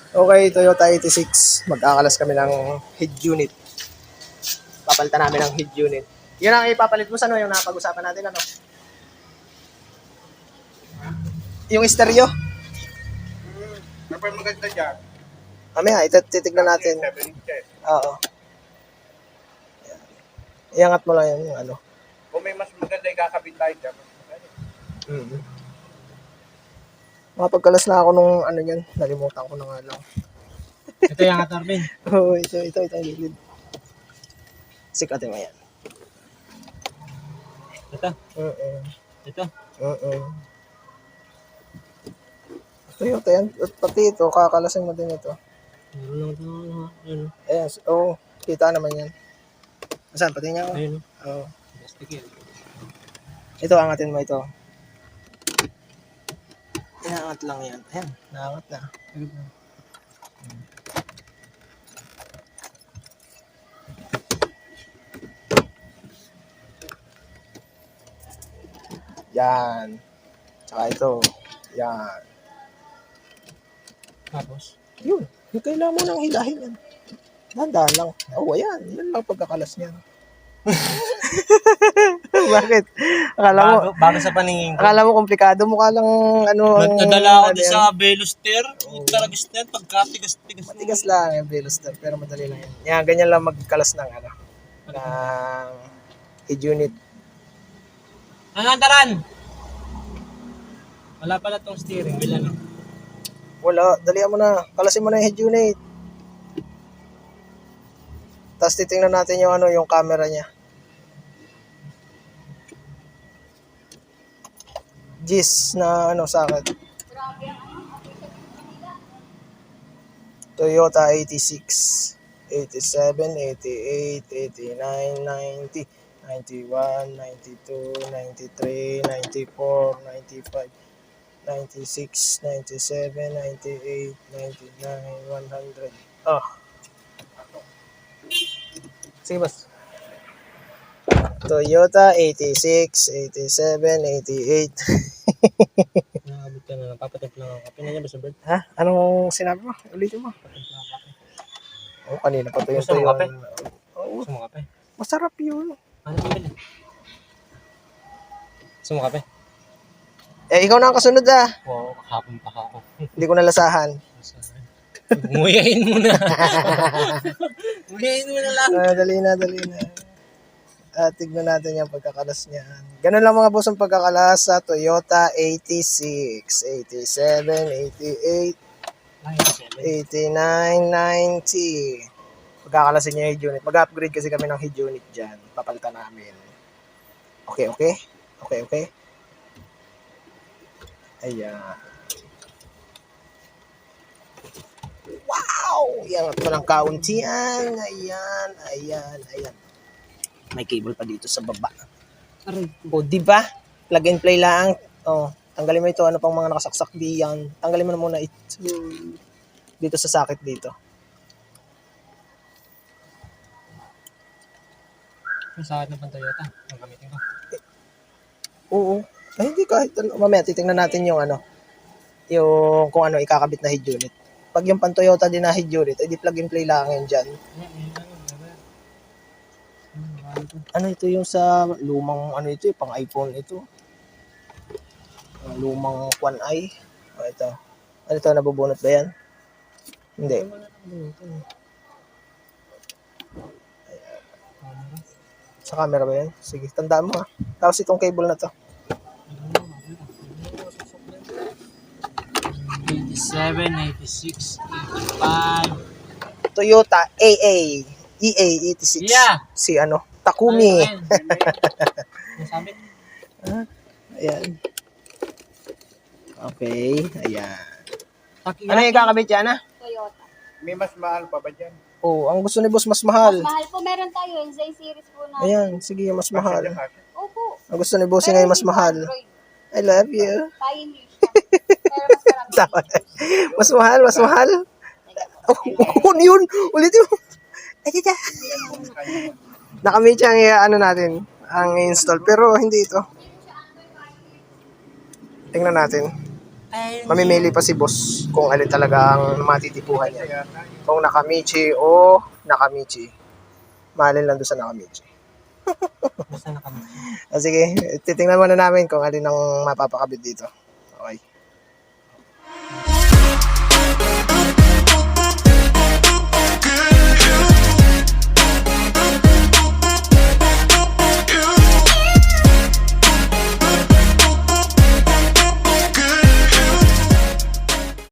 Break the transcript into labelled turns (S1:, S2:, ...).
S1: Okay, Toyota 86. Mag-aakalas kami ng head unit. Papalitan namin ng head unit. Yun ang ipapalit mo sa ano, yung napag-usapan natin, ano? Yung stereo.
S2: Ano pa yung maganda dyan?
S1: Mamaya, ito titignan natin.
S2: 7 inches.
S1: Oo. Iangat mo lang yung ano.
S2: Kung may mas maganda, ikakabit tayo dyan.
S1: Mm-hmm. Makapagkalas na ako nung ano yan. Nalimutan ko na nga lang.
S3: Ito yung angat, Arvin.
S1: Oo, ito ang gilid. Sikatin mo yan.
S3: Ito.
S1: Oo.
S3: Ito.
S1: Oo. Toyota yan. At pati ito, kakalasin mo din ito.
S3: Meron lang ito. Ayun.
S1: Ayan, oo. Kita naman yan. Saan? Pati niya ako.
S3: Ayun.
S1: Oo.
S3: Plastic yan.
S1: Ito, angatin mo ito. Inaangat lang yan. Ayan, naangat na. Yan. Tsaka ito. Yan.
S3: Tapos?
S1: Yun. Yung kailangan mo nang hilahin yan. Dahan-dahan lang. Oo, ayan. Yan lang pagkakalas niyan. Bakit?
S3: Bago sa paningin ko.
S1: Akala mo komplikado. Mukha lang ano.
S3: Nadala ako
S1: ano
S3: din
S1: yan.
S3: sa Veloster. Talagas na yan. Pagkatigas-tigas.
S1: Matigas lang yung Veloster. Pero madali lang yan. Yan, ganyan lang magkalas ng ano. Ng head unit.
S3: Ano ang daran? Wala pala tong steering wheel, ano?
S1: Wala. Dalihan mo na. Kalasin mo na yung head unit. Tapos titingnan natin yung ano, yung camera niya. Gis na ano sa akin. Toyota 86, 87, 88, 89, 90, 91, 92, 93, 94, 95, 96, 97, 98, 99, 100. Oh. Sige, boss. Toyota 86, 87, 88.
S3: Nakabot ka na lang. Papatip lang ako. Kape na niya ba sa bird?
S1: Ha? Anong sinabi mo? Ulitin mo.
S3: Papatip lang ako kape.
S1: Oh, kanina pa to yung
S3: Gusto mo kape?
S1: Oo,
S3: Gusto mo kape?
S1: masarap yun.
S3: Ano pili? Gusto mo kape?
S1: Eh, ikaw na ang kasunod ah.
S3: Oo, kahapon pa ako.
S1: Hindi ko nalasahan.
S3: Nguyain mo na. Nguyain mo na lang.
S1: Dali na. Tignan natin yung pagkakalas niya. Ganun lang mga boss ang pagkakalas sa Toyota 86, 87, 88, 89, 90. Pagkakalasin niya yung head unit. Mag-upgrade kasi kami ng head unit dyan. Papalitan namin. Okay. Ayan. Wow! Iangat mo ng kauntian. Ayan. May cable pa dito sa baba. O, di ba? Plug and play lang. O, tanggalin mo ito. Ano pang mga nakasaksak diyan. Tanggalin mo na muna ito. Dito sa socket dito.
S3: Yung sakit ng Toyota. Ang gamitin ko.
S1: Oo. Ay, hindi kahit ano. Mamaya, titingnan natin yung ano. Yung kung ano ikakabit na head unit. Pag yung pan Toyota din na head unit, ay di plug and play lang yan dyan. Ano ito yung sa lumang ano ito, pang iPhone ito. Lumang One I. O ito. Ano ito, nabubunot ba yan? Hindi. Sa camera ba yan? Sige, tandaan mo ha. Tapos itong cable na to.
S3: 87, 86, 85.
S1: Toyota EA86.
S3: Yeah.
S1: Si ano, Takumi.
S3: Nasabi?
S1: Ayan. Okay, ayan. Ano yung kakabit yan, ha?
S4: Toyota.
S2: May mas mahal pa ba dyan?
S1: Oh, ang gusto ni boss mas mahal.
S4: Mahal po, meron tayo yung Z series po na.
S1: Ayan, sige, mas mahal.
S4: Opo.
S1: Ang gusto ni boss ngayon mas mahal. I love you.
S4: Tayo English siya. Pero mas marami.
S1: Tama. Mas mahal. Oh, yun. Ulitin mo. Ay, tita. Nakamit siyang ano natin, ang install. Pero hindi ito. Tingnan natin. Mamimili pa si boss kung alin talaga ang matitipuhan niya. Kung Nakamichi o Nakamichi. Mahalin lang doon sa Nakamichi.
S3: Basta na kami.
S1: Sige, titingnan muna namin kung alin ang mapapakabit dito.